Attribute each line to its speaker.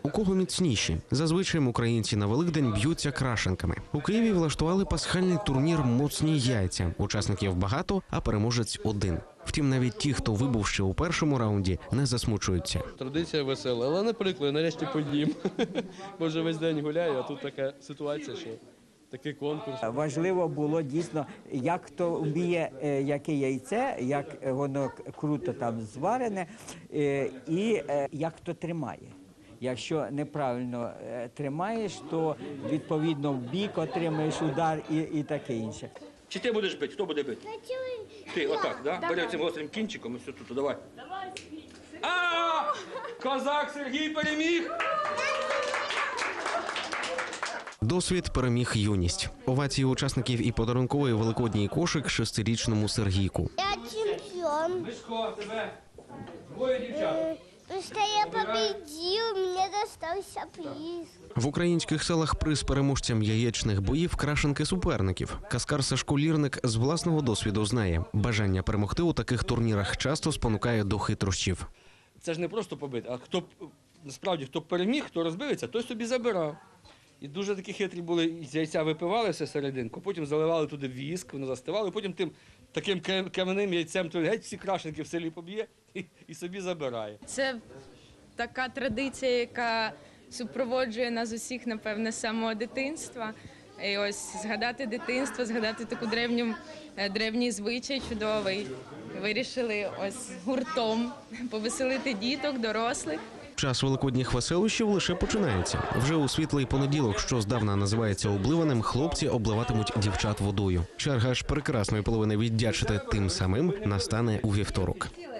Speaker 1: У кого міцніші? Зазвичай українці на Великдень б'ються крашенками. У Києві влаштували пасхальний турнір «Моцні яйця». Учасників багато, а переможець один. Втім, навіть ті, хто вибув ще у першому раунді, не засмучуються.
Speaker 2: Традиція весела, але не прикро, нарешті подім. Бо вже весь день гуляю, а тут така ситуація, що такий конкурс.
Speaker 3: Важливо було дійсно, як хто вміє, яке яйце, як воно круто там зварене, і як хто тримає. Якщо неправильно тримаєш, то відповідно в бік отримаєш удар і таке інше.
Speaker 4: Чи ти будеш бити? Хто буде бити? Ти, отак, да? Бери цим гострим кінчиком і все тут, давай. Козак Сергій переміг!
Speaker 1: Досвід переміг юність. Овації учасників і подарунковий великодній кошик 6-річному Сергійку.
Speaker 5: Я чемпион.
Speaker 4: Мишко, тебе двоє дівчат.
Speaker 5: Потому что я победил, мне достался приз.
Speaker 1: В українських селах приз переможцям яєчних боїв крашенки суперників. Каскар Сашко Лірник з власного досвіду знає, бажання перемогти у таких турнірах часто спонукає до хитрощів.
Speaker 4: Це ж не просто побити, а хто насправді хто переміг, хто розбився, той собі забирав. І дуже такі хитрі були, з яйця випивали все серединку, потім заливали туди віск, воно застивало, і потім тим таким кам'яним яйцем то геть всі крашенки в селі поб'є і собі забирає.
Speaker 6: Це така традиція, яка супроводжує нас усіх, напевне, з самого дитинства. І ось згадати дитинство, згадати таку древній звичай чудовий. Вирішили ось гуртом повеселити діток, дорослих.
Speaker 1: Час великодніх веселощів лише починається. Вже у світлий понеділок, що здавна називається обливаним, хлопці обливатимуть дівчат водою. Черга ж прекрасної половини віддячити тим самим настане у вівторок.